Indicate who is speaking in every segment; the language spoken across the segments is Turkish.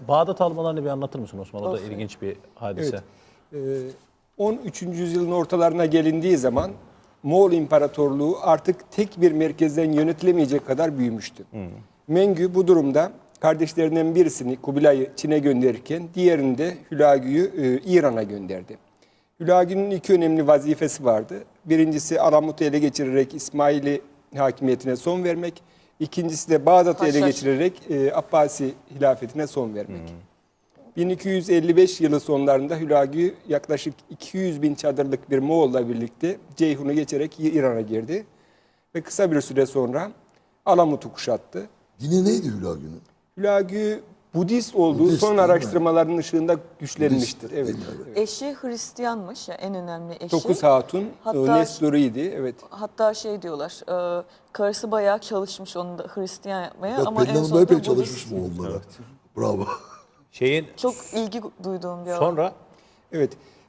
Speaker 1: Bağdat almalarını bir anlatır mısın Osman? O da ilginç bir hadise.
Speaker 2: Evet. 13. yüzyılın ortalarına gelindiği zaman Moğol İmparatorluğu artık tek bir merkezden yönetilemeyecek kadar büyümüştü. Mengü bu durumda kardeşlerinden birisini Kubilay'ı Çin'e gönderirken diğerini de Hülagü'yü İran'a gönderdi. Hülagü'nün iki önemli vazifesi vardı. Birincisi Alamut'u ele geçirerek İsmaili hakimiyetine son vermek. İkincisi de Bağdat'ı ele geçirerek Abbasi hilafetine son vermek. 1255 yılı sonlarında Hülagü yaklaşık 200 bin çadırlık bir Moğol'la birlikte Ceyhun'u geçerek İran'a girdi. Ve kısa bir süre sonra Alamut'u kuşattı.
Speaker 3: Dini neydi Hülagü'nün?
Speaker 2: Hülagü Budist olduğu
Speaker 3: Budist,
Speaker 2: son
Speaker 3: değil mi?
Speaker 2: araştırmaların ışığında güçlenmiştir.
Speaker 3: Budist,
Speaker 2: Evet.
Speaker 3: değil mi?
Speaker 2: Evet.
Speaker 4: Eşi Hristiyanmış ya, en önemli eşi.
Speaker 2: 9 hatun
Speaker 4: Hatta-
Speaker 2: Nestori'ydi. Evet.
Speaker 4: Hatta şey diyorlar, karısı bayağı çalışmış onu da Hristiyan yapmaya
Speaker 3: Ya
Speaker 4: ama en
Speaker 3: Pelin Hanım da
Speaker 4: sonunda
Speaker 3: epey
Speaker 4: Budist.
Speaker 3: çalışmış mı onlara? Bravo.
Speaker 1: Şeyin
Speaker 4: Çok ilgi duyduğum bir alan.
Speaker 1: sonra
Speaker 2: Evet.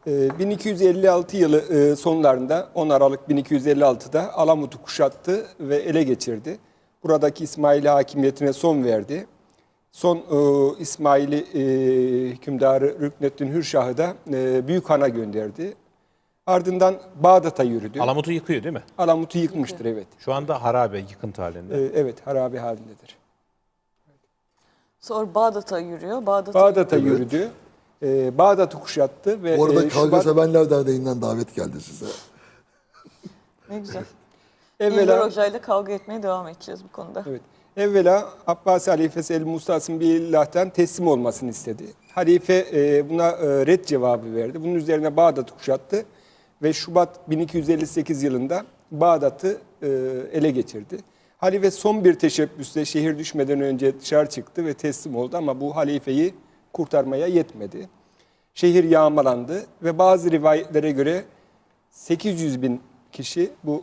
Speaker 2: 1256 yılı sonlarında 10 Aralık 1256'da Alamut'u kuşattı ve ele geçirdi. Buradaki İsmaili hakimiyetine son verdi. Son İsmaili hükümdarı Rükneddin Hürşah'ı da Büyük Han'a gönderdi. Ardından Bağdat'a yürüdü.
Speaker 1: Alamut'u yıkıyor değil mi?
Speaker 2: Alamut'u yıkmıştır, evet.
Speaker 1: Şu anda harabe, yıkıntı halinde.
Speaker 2: Evet, harabe halindedir.
Speaker 4: Sonra Bağdat'a yürüyor.
Speaker 2: Bağdat'a yürüdü. Bağdat'ı kuşattı ve
Speaker 3: Bu arada Kavga
Speaker 2: Şubat-
Speaker 3: Sevenler Derneği'nden davet geldi size.
Speaker 4: Ne güzel.
Speaker 2: evvela
Speaker 4: İlber Hoca'yla kavga etmeye devam edeceğiz bu konuda.
Speaker 2: Evet. Evvela Abbasi halifesi El-Mustasım Billah'tan teslim olmasını istedi. Halife buna red cevabı verdi. Bunun üzerine Bağdat'ı kuşattı ve Şubat 1258 yılında Bağdat'ı ele geçirdi. Halife son bir teşebbüsle şehir düşmeden önce dışarı çıktı ve teslim oldu ama bu halifeyi kurtarmaya yetmedi. Şehir yağmalandı ve bazı rivayetlere göre 800 bin kişi bu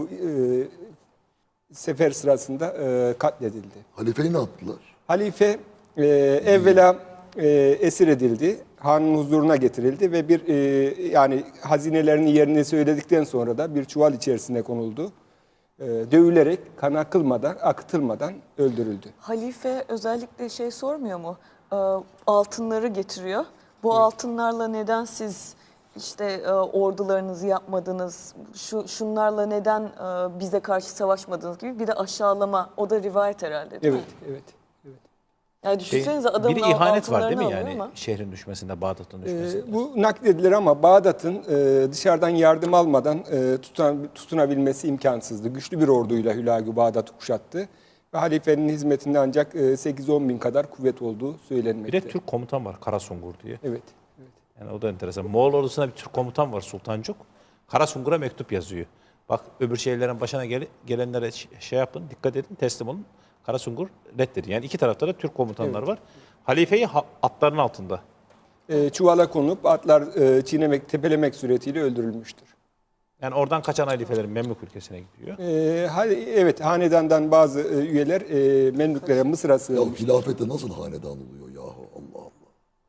Speaker 2: sefer sırasında katledildi.
Speaker 3: Halifeyi ne yaptılar?
Speaker 2: Halife evvela esir edildi, hanın huzuruna getirildi ve bir yani hazinelerini yerine söyledikten sonra da bir çuval içerisine konuldu. Dövülerek kan akıtılmadan öldürüldü.
Speaker 4: Halife özellikle şey sormuyor mu? Altınları getiriyor. Bu altınlarla neden siz işte ordularınızı yapmadınız, şunlarla neden bize karşı savaşmadınız gibi bir de aşağılama. O da rivayet herhalde değil mi?
Speaker 2: Evet.
Speaker 4: Yani düşünsenize adamın
Speaker 1: bir ihanet var değil mi
Speaker 4: altınlarını
Speaker 1: yani
Speaker 4: alıyor ama.
Speaker 1: şehrin düşmesinde, Bağdat'ın düşmesinde?
Speaker 2: Bu nakledilir ama Bağdat'ın dışarıdan yardım almadan tutunabilmesi imkansızdı. Güçlü bir orduyla Hülagü Bağdat'ı kuşattı ve halifenin hizmetinde ancak 8-10 bin kadar kuvvet olduğu
Speaker 1: Bir
Speaker 2: söylenmekte.
Speaker 1: de Türk komutan var, Karasungur diye.
Speaker 2: Evet.
Speaker 1: Yani o da enteresan. Moğol ordusuna bir Türk komutan var, Sultancuk. Karasungur'a mektup yazıyor. Bak öbür şehirlerin başına gelenlere şey yapın, dikkat edin, teslim olun. Karasungur reddedi. Yani iki tarafta da Türk komutanlar var. Halifeyi atların altında.
Speaker 2: Çuvala konup atlar çiğnemek, tepelemek suretiyle öldürülmüştür.
Speaker 1: Yani oradan kaçan halifelerin Memlük ülkesine gidiyor.
Speaker 2: Evet, hanedandan bazı üyeler Memlüklere, Mısır'a
Speaker 3: Ya
Speaker 2: sığınmıştır.
Speaker 3: hilafette nasıl hanedan oluyor yahu, Allah Allah.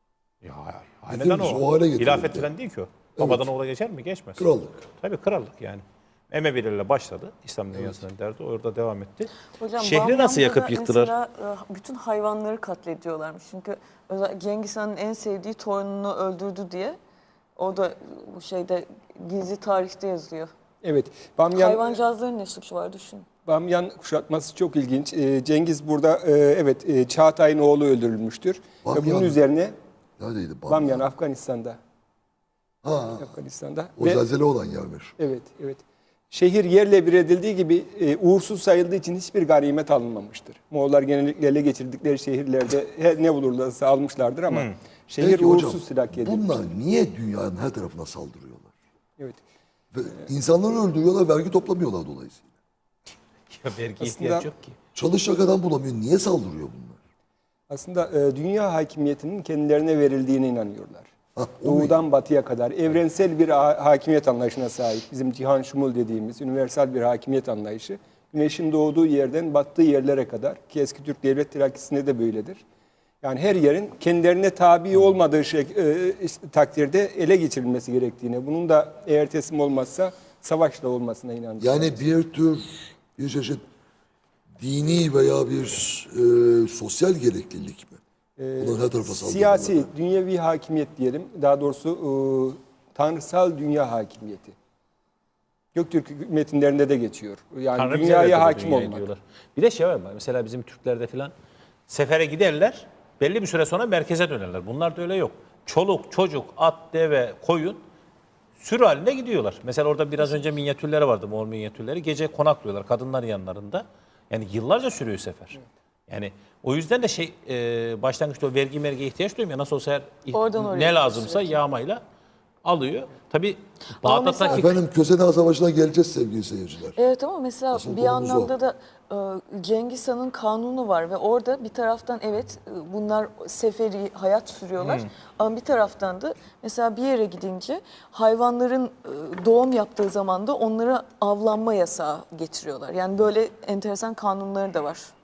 Speaker 1: Ya hanedan
Speaker 3: Biz
Speaker 1: o.
Speaker 3: o hale getirildi.
Speaker 1: Hilafet falan değil ki o. Babadan oğula geçer mi? Geçmez.
Speaker 3: Krallık.
Speaker 1: Tabii krallık yani. Emevilerle başladı. İslam dünyasının derdi. Orada devam etti.
Speaker 4: Hocam,
Speaker 1: Şehri nasıl
Speaker 4: Bamyan'da
Speaker 1: yakıp
Speaker 4: da
Speaker 1: yıktılar?
Speaker 4: Mesela bütün hayvanları katlediyorlarmış. Çünkü Cengiz Han'ın en sevdiği torununu öldürdü diye. O da bu şeyde gizli tarihte yazıyor.
Speaker 2: Evet,
Speaker 4: Hayvancağızların ne suçu var düşünün.
Speaker 2: Bamyan kuşatması çok ilginç. Cengiz burada Çağatay'ın oğlu öldürülmüştür. Ve
Speaker 3: Bamyan
Speaker 2: bunun
Speaker 3: mı?
Speaker 2: üzerine
Speaker 3: Neredeydi?
Speaker 2: Bamyan Afganistan'da.
Speaker 3: Ha,
Speaker 2: Afganistan'da.
Speaker 3: o zelzele olan yermiş.
Speaker 2: Evet. Şehir yerle bir edildiği gibi uğursuz sayıldığı için hiçbir ganimet alınmamıştır. Moğollar genellikle ele geçirdikleri şehirlerde ne bulurlarsa almışlardır ama şehir
Speaker 3: Peki
Speaker 2: uğursuz
Speaker 3: hocam,
Speaker 2: silahla edilmiş.
Speaker 3: bunlar niye dünyanın her tarafına saldırıyorlar?
Speaker 2: Evet.
Speaker 3: Ve insanları öldürüyorlar, vergi toplamıyorlar dolayısıyla.
Speaker 1: Ya vergi
Speaker 2: Aslında-
Speaker 1: ihtiyaç yok ki.
Speaker 3: Çalışacak adam bulamıyor. Niye saldırıyor bunlar?
Speaker 2: Aslında dünya hakimiyetinin kendilerine verildiğine inanıyorlar.
Speaker 3: Ha, o mu?
Speaker 2: Doğudan batıya kadar evrensel bir hakimiyet anlayışına sahip. Bizim cihan şumul dediğimiz universal bir hakimiyet anlayışı. Güneşin doğduğu yerden battığı yerlere kadar ki eski Türk devlet hiyerarşisinde de böyledir. Yani her yerin kendilerine tabi olmadığı takdirde ele geçirilmesi gerektiğine, bunun da eğer teslim olmazsa savaşla olmasına inanıyorlar.
Speaker 3: Yani bir çeşit dini veya bir sosyal gereklilik mi? Bunlar her tarafa saldırıyorlar.
Speaker 2: siyasi, dünyevi hakimiyet diyelim. Daha doğrusu tanrısal dünya hakimiyeti. Göktürk metinlerinde de geçiyor. Yani
Speaker 1: Tanrı bize
Speaker 2: dünyaya
Speaker 1: verdi bu
Speaker 2: hakim
Speaker 1: dünyayı
Speaker 2: olmak.
Speaker 1: diyorlar. Bir de şey var mesela bizim Türklerde filan sefere giderler. Belli bir süre sonra merkeze dönerler. Bunlarda öyle yok. Çoluk, çocuk, at, deve, koyun sürü halinde gidiyorlar. Mesela orada biraz önce minyatürleri vardı, Moğol minyatürleri. Gece konaklıyorlar kadınlar yanlarında. Yani yıllarca sürüyor sefer. Yani o yüzden de başlangıçta o vergiye ihtiyaç duymuyor. Nasıl olsa
Speaker 4: Oradan oraya
Speaker 1: ne lazımsa yağmayla alıyor. Tabii
Speaker 4: Ama
Speaker 1: Bağdat'taki
Speaker 3: Efendim Kösene Savaşı'na geleceğiz sevgili seyirciler.
Speaker 4: Evet ama mesela
Speaker 3: Asıl
Speaker 4: bir
Speaker 3: konumuz
Speaker 4: anlamda da Cengiz Han'ın kanunu var ve orada bir taraftan evet bunlar seferi hayat sürüyorlar ama bir taraftan da mesela bir yere gidince hayvanların doğum yaptığı zaman da onlara avlanma yasağı getiriyorlar. Yani böyle enteresan kanunları da var.